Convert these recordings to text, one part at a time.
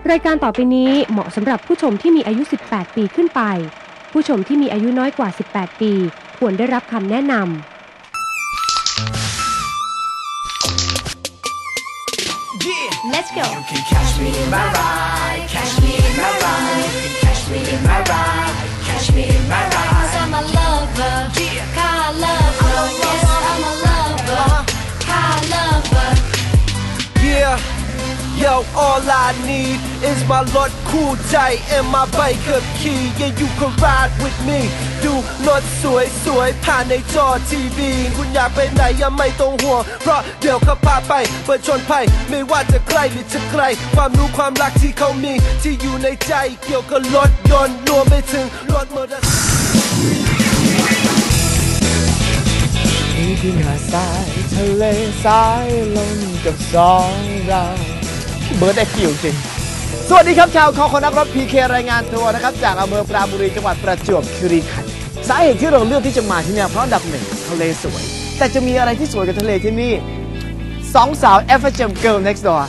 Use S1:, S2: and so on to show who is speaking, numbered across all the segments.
S1: รายการต่อไปนี้เหมาะสำหรับผู้ชมที่มีอายุ 18 ปีขึ้นไปผู้ชมที่มีอายุน้อยกว่า 18 ปีควรได้รับคำแนะนำ
S2: Let's go. You can catch me in my ride, catch me in my ride. You can catch me in my ride, catch me in my ride. 'Cause I'm a lover, car lover. Yes, I'm a lover, car lover.
S3: Yeah.Yo, all I need is my รถคู่ใจ and my bike ขับขี่ Yeah, you can ride with me ดูรถสวยๆผ่านในจอทีวีคุณอยากไปไหนยังไม่ต้องห่วงเพราะเดี๋ยวเขาพาไปเปิดชนภัยไม่ว่าจะใกล้หรือจะไกลความรู้ความรักที่เขามีที่อยู่ในใจเกี่ยวกับรถยนต์รวมไปถึงรถมอเตอร์ไซค์
S4: นี่คือหาดทรายทะเลสายลมกับสองเราเบิร์ดได้คิวจริงสวัสดีครับชาวคอคนนักรถ PK รายงานตัวนะครับจากอำเภอปราณบุรีจังหวัดประจวบคีรีขันธ์สาเหตุที่เราเลือกที่จะมาที่นี่เพราะอันดับหนึ่งทะเลสวยแต่จะมีอะไรที่สวยกับทะเลที่นี่สองสาว FHM Girl Next Door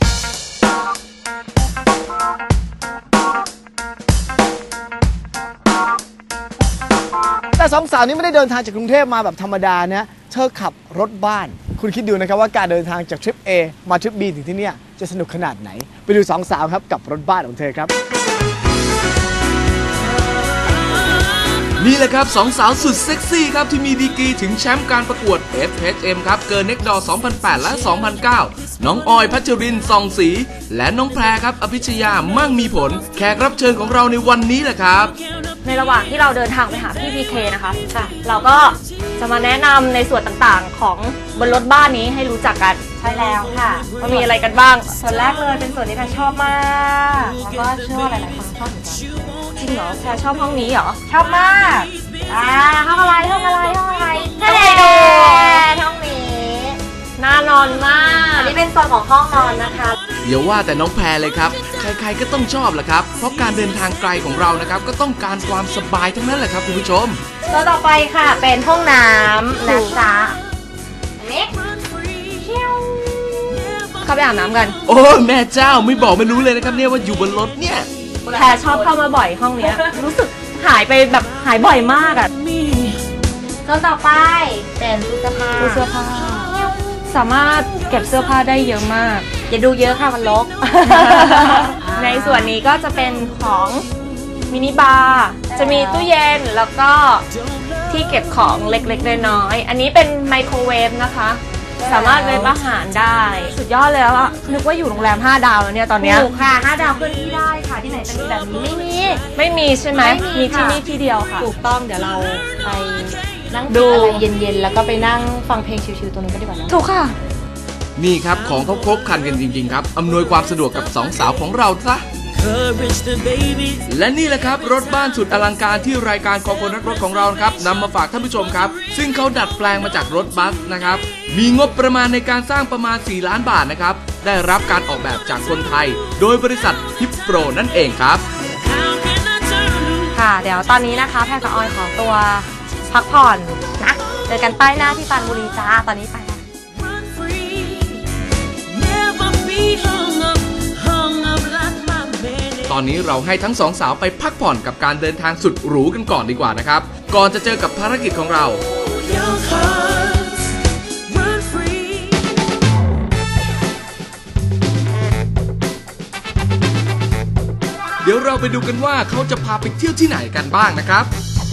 S4: แต่สองสาวนี้ไม่ได้เดินทางจากกรุงเทพมาแบบธรรมดานะเธอขับรถบ้านคุณคิดดูนะครับว่าการเดินทางจากทริป A มาทริป B ถึงที่นี่จะสนุกขนาดไหนไปดูสองสาวครับกับรถบ้านของเธอครับ
S5: นี่แหละครับสองสาวสุดเซ็กซี่ครับที่มีดีกรีถึงแชมป์การประกวด FHM ครับเกิร์ลเน็กดอร์ 2008 และ 2009 น้องออยพัชรินทร์ ส่องศรีและน้องแพรครับอภิชยามั่งมีผลแขกรับเชิญของเราในวันนี้แหละครับ
S6: ในระหว่างที่เราเดินทางไปหาพี่ PK นะคะเราก็จะมาแนะนำในส่วนต่างๆของบนรถบ้านนี้ให้รู้จักกัน
S7: ใช่แล้วค่ะ
S6: ว่ามีอะไรกันบ้าง
S7: ส่วนแรกเลยเป็นส่วนที่แพรชอบมากแล้วก็เชื่อว่าหลายๆคนชอบเหมือนกัน
S6: จริงเหรอแพรชอบห้องนี้เหรอ
S7: ชอบมากห้องอะไรห้องอะไรห้องอะไร
S6: ให้ดูห้องนี้น่านอนมาก
S7: อันนี้เป็นโซนของห้องนอนนะคะ
S5: อย่าว่าแต่น้องแพรเลยครับใครๆก็ต้องชอบแหละครับเพราะการเดินทางไกลของเรานะครับก็ต้องการความสบายทั้งนั้นแหละครับคุณผู้ชม
S7: ตัวต่อไปค่ะเป็นห้องน้ำนะจ๊ะนี่
S6: เข้าไปอาบน้ำกัน
S5: โอ้แม่เจ้าไม่บอกไม่รู้เลยนะครับเนี่ยว่าอยู่บนรถเนี่ย
S6: แพรชอบเข้ามาบ่อยห้องนี้รู้สึกหายไปแบบหายบ่อยมากอ่ะ
S7: ตัวต่อไปเป็นตู้เสื้อผ้า
S6: สามารถเก็บเสื้อผ้าได้เยอะมาก
S7: อย่าดูเยอะค่ะมันรก
S6: ในส่วนนี้ก็จะเป็นของมินิบาร์จะมีตู้เย็นแล้วก็ที่เก็บของเล็กๆน้อยๆอันนี้เป็นไมโครเวฟนะคะสามารถเวฟอาหารได้สุดยอดเลยแล้วอะนึกว่าอยู่โรงแรม5 ดาวแล้วเนี่ยตอนนี้
S7: ถูกค่ะ5 ดาวขึ้นที่ได้ค่ะที่ไหนจะมีแบบนี้
S6: ไม่มีใช่ไหมมีที่นี่ที่เดียวค่ะ
S7: ถูกต้องเดี๋ยวเราไปนั่งดูอะไรเย็นๆแล้วก็ไปนั่งฟังเพลงชิลๆตรงนี้ก็ดีกว่านะ
S6: ถูกค่ะ
S5: นี่ครับของเขาครบครันกันจริงๆครับอำนวยความสะดวกกับสองสาวของเราซะและนี่แหละครับรถบ้านสุดอลังการที่รายการคอคนรักรถของเราครับนำมาฝากท่านผู้ชมครับซึ่งเขาดัดแปลงมาจากรถบัสนะครับมีงบประมาณในการสร้างประมาณ4 ล้านบาทนะครับได้รับการออกแบบจากคนไทยโดยบริษัทฮิปโปรนั่นเองครับ
S6: ค่ะเดี๋ยวตอนนี้นะคะแพรกับออยขอตัวพักผ่อนนะเจอกันป้ายหน้าที่ปราณบุรีจ้าตอนนี้ไป
S5: ตอนนี้เราให้ทั้งสองสาวไปพักผ่อนกับการเดินทางสุดหรูกันก่อนดีกว่านะครับก่อนจะเจอกับภารกิจของเราเดี๋ยวเราไปดูกันว่าเขาจะพาไปเที่ยวที่ไหนกันบ้างนะครับ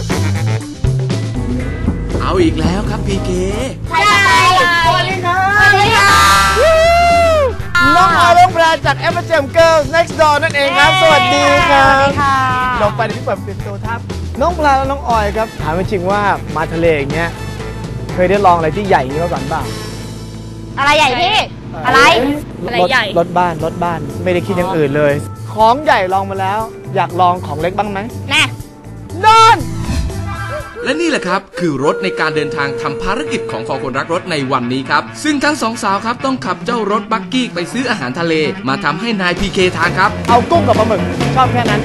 S5: เอาอีกแล้วครับพีเค
S7: สวัสดีค่ะ
S4: น้องออยน้องแพรจาก FHM Girl Next Door นั่นเองครับสวัสดีครับลงไปที่แบบเปลี่ยนตัวทับน้องแพรและน้องออยครับถามจริงว่ามาทะเลอย่างเงี้ยเคยได้ลองอะไรที่ใหญ่นี้มาก่อนบ้าง
S6: อะไรใหญ่พี่อะไรใหญ่
S4: รถบ้านไม่ได้คิดอย่างอื่นเลยของใหญ่ลองมาแล้วอยากลองของเล็กบ้างไหม
S6: แน่
S4: นอน
S5: และนี่แหละครับคือรถในการเดินทางทำภารกิจของคอคนรักรถในวันนี้ครับซึ่งทั้งสองสาวครับต้องขับเจ้ารถบักกี้ไปซื้ออาหารทะเลมาทำให้นายพีเคทานครับ
S4: เอากุ้งกับปลาหมึกชอบแค่นั้น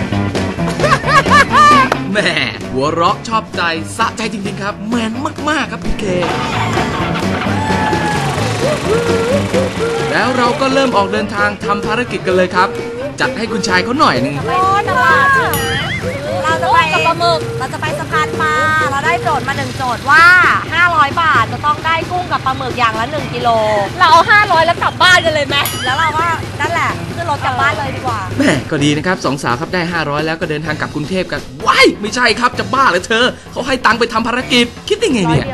S5: แหมหัวเราะชอบใจสะใจจริงๆครับแมนมากๆครับพีเคแล้วเราก็เริ่มออกเดินทางทำภารกิจกันเลยครับ จัดให้คุณชายเขาหน่อยหนึ่ง
S8: ตลาดเราจะไปกับปลาหมึกเราจะไปสะพานปลาเราได้โจทย์มา1โจทย์ว่า500 บาทจะต้องได้กุ้งกับปลาหมึกอย่างละ1กิโลเราเอา500แล้วกลับบ้านกันเลยไหมแล้วเราก็นั่นแหละขึ้นรถกลับบ้านเลยดีกว่า
S5: แม่ก็ดีนะครับสองสาวครับได้500แล้วก็เดินทางกลับกรุงเทพกันว้ายไม่ใช่ครับจะบ้าเหรอเธอเขาให้ตังค์ไปทำภารกิจคิดได้ไงเนี่ย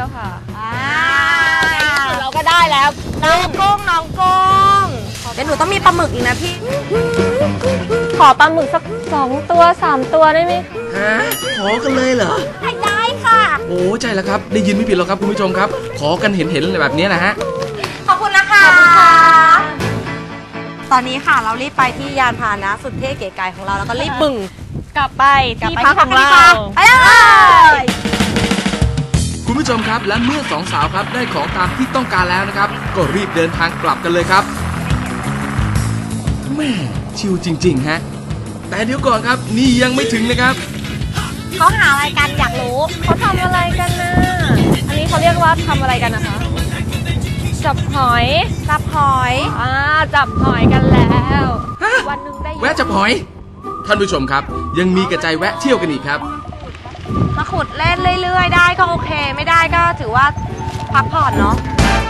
S8: เราก็ได้แล้วน้องกุ้งเดี๋ยวหนูต้องมีปลาหมึกอีกนะพี่
S6: ขอปลาหมึกสัก2 ตัว 3 ตัวได้ไหม
S5: ฮะขอกันเลยเหรอ
S8: ได้ค่ะ
S5: โอ้ใจแล้วครับได้ยินไม่ผิดหรอกครับคุณผู้ชมครับขอกันเห็นแบบนี้นะฮะ
S8: ขอบคุณนะคะตอนนี้ค่ะเรารีบไปที่ยานพาหนะสุดเท่เก๋ไก๋ของเราแล้วก็รีบบึ่ง
S6: กลับไปที่พักของเรา
S8: ไปเลย
S5: คุณผู้ชมครับและเมื่อสองสาวครับได้ของตามที่ต้องการแล้วนะครับก็รีบเดินทางกลับกันเลยครับแม่ชิวจริงๆฮะแต่เดี๋ยวก่อนครับนี่ยังไม่ถึงนะครับ
S8: เขาหาอะไรกันอยากรู้
S6: เขาทำอะไรกันนะอันนี้เขาเรียกว่าทำอะไรกันนะคะจับหอย
S8: จับหอย
S6: กันแล้ววันนึงได้
S5: แวะจับหอยท่านผู้ชมครับยังมีกระจายแวะเที่ยวกันอีกครับ
S8: มาขุดเล่นเรื่อยๆได้ก็โอเคไม่ได้ก็ถือว่าพักผ่อนเนาะ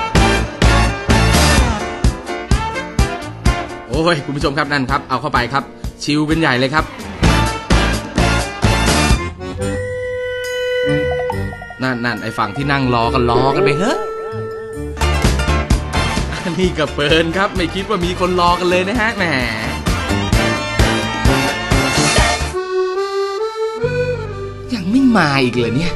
S5: โอ้ยคุณผู้ชมครับนั่นครับเอาเข้าไปครับชิลเป็นใหญ่เลยครับนั่นไอ้ฝั่งที่นั่งรอกันไปเฮ้ยนี่ก็เปินครับไม่คิดว่ามีคนรอกันเลยนะฮะแหมยังไม่มาอีกเลยเนี่ย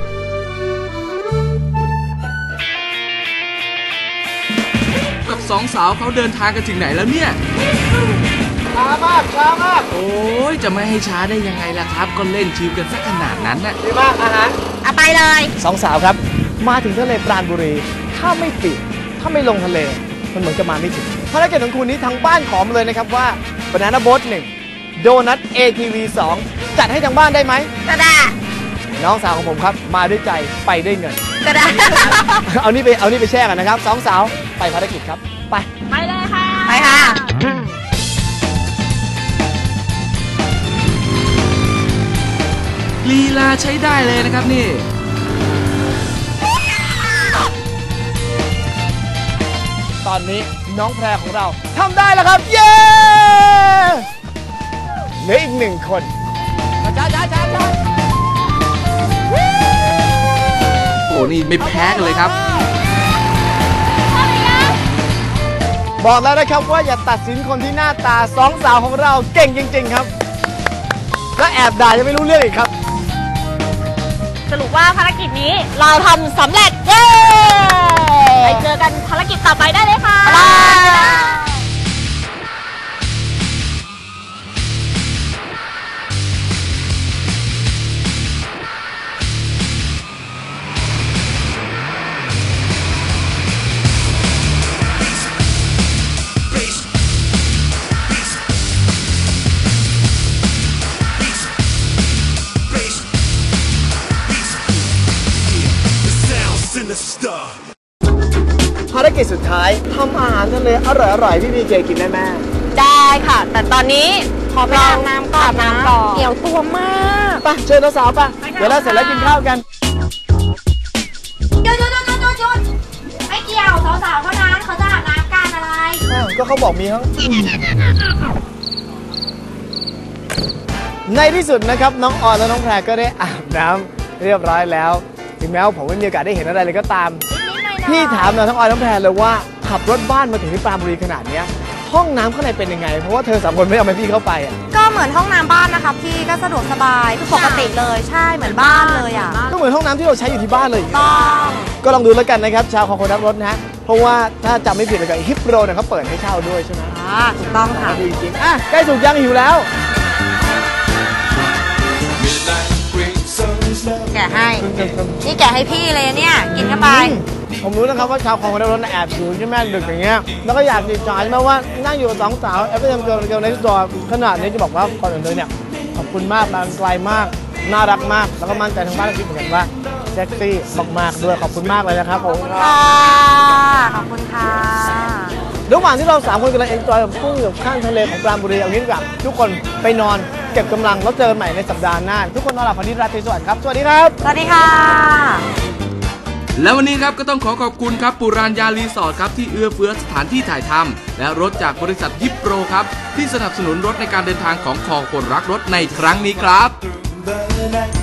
S5: กับสองสาวเขาเดินทางกันถึงไหนแล้วเนี่ย
S4: ช้ามาก
S5: โอ้ยจะไม่ให้ช้าได้ยังไงล่ะครับก็เล่นชิลกันสักขนาดนั้นน่ะ
S4: ดีมากอาหาร
S8: เอาไปเลย
S4: สองสาวครับมาถึงทะเลปราณบุรีถ้าไม่ปิดถ้าไม่ลงทะเลมันเหมือนจะมาไม่ถึงภารกิจของคุณนี้ทางบ้านขอมาเลยนะครับว่า Banana Boat 1 โดนัท ATV 2 จัดให้ทางบ้านได้ไหม
S8: ก็ได้
S4: น้องสาวของผมครับมาด้วยใจไปด้วยเงิน
S8: ก็ได้
S4: เอานี่ไปแช่กันนะครับสองสาวไปภารกิจครับ
S8: ไปเลยค่ะไปค่ะ
S5: ลีลาใช้ได้เลยนะครับนี่
S4: ตอนนี้น้องแพรของเราทำได้แล้วครับเย้เหลืออีก1 คนช้า
S5: โอ้นี่ไม่แพ้กันเลยครับ
S4: บอกแล้วนะครับว่าอย่าตัดสินคนที่หน้าตาสองสาวของเราเก่งจริงๆครับและแอบด่าจะไม่รู้เรื่องอีกครับ
S6: สรุปว่าภารกิจนี้เราทำสำเร็จเย้ไปเจอกันภารกิจต่อไปได้เลยค่ะ
S4: ภารกิจสุดท้ายทำอาหารทะเลอร่อยๆพี่พีเคกินได้แม่
S8: ได้ค่ะแต่ตอนนี้ขอไปอาบน้ำก่อนเกี่ยวตัวมาก
S4: ไปเชิญน้องสาวไปเดี๋ยวเราเสร็จแล้วกินข้าวกัน
S8: หยุดไม่เกี่ยวสาวๆเท่านั้นเขาจะอาบน้ำกันอะไร
S4: ก็เขาบอกมีเขาในที่สุดนะครับน้องออนและน้องแพรก็ได้อาบน้ำเรียบร้อยแล้วถึงแม้ว่าผมไม่มีโอกาสได้เห็นอะไรเลยก็ตามพี่ถามเราทั้งออยทั้งแพรเลยว่าขับรถบ้านมาถึงที่ปราณบุรีขนาดนี้ห้องน้ำข้างในเป็นยังไงเพราะว่าเธอ3 คนไม่เอาพี่เข้าไปอ่ะ
S8: ก็เหมือนห้องน้ำบ้านนะคะพี่ก็สะดวกสบายคือปกติเลยใช่เหมือนบ้านเลยอ่ะ
S4: ก็เหมือนห้องน้ำที่เราใช้อยู่ที่บ้านเลยก็ลองดูแล้วกันนะครับชาวของคนรักรถนะฮะเพราะว่าถ้าจำไม่ผิดเลยกับฮิปโรเนี่ยเขาเปิดให้เช่าด้วยใช่ไหม
S8: ถูกต้องค่ะ
S4: ดีจริงใกล้สุกยังหิวแล้ว
S8: แกะให้นี่แกะให้พี่เลยเนี่ยกินเข้าไป
S4: ผมรู้นะครับว่าชาวของคนรักรถแอบอยู่ใช่ไหมดึกอย่างเงี้ยแล้วก็อยากติดจอยใช่ไหมว่านั่งอยู่กับสองสาวแอปเปิลเกิร์ลในตัวขนาดนี้จะบอกว่าก่อนอื่นเลยเนี่ยขอบคุณมากมาไกลมากน่ารักมากแล้วก็มั่นใจทางบ้านคิดเหมือนกันว่าเซ็กซี่มากๆด้วยขอบคุณมากเลยนะครับผม
S8: ขอบคุณค่ะ
S4: เธระหว่างที่เรา3คนกำลังเอนจอยกับกุ้งอยู่ข้างทะเลของปราณบุรีเอางี้ดีกว่าทุกคนไปนอนเก็บกำลังแล้วเจอกันใหม่ในสัปดาห์หน้าทุกคนนอนหลับฝันดีราตรีสวัสดิ์ครับสวัสดีครับ
S8: สวัสดีค่ะ
S5: และวันนี้ครับก็ต้องขอขอบคุณครับปุราญญารีสอร์ทครับที่เอื้อเฟื้อสถานที่ถ่ายทำและรถจากบริษัทยิปโปรครับที่สนับสนุนรถในการเดินทางของคอคนรักรถในครั้งนี้ครับ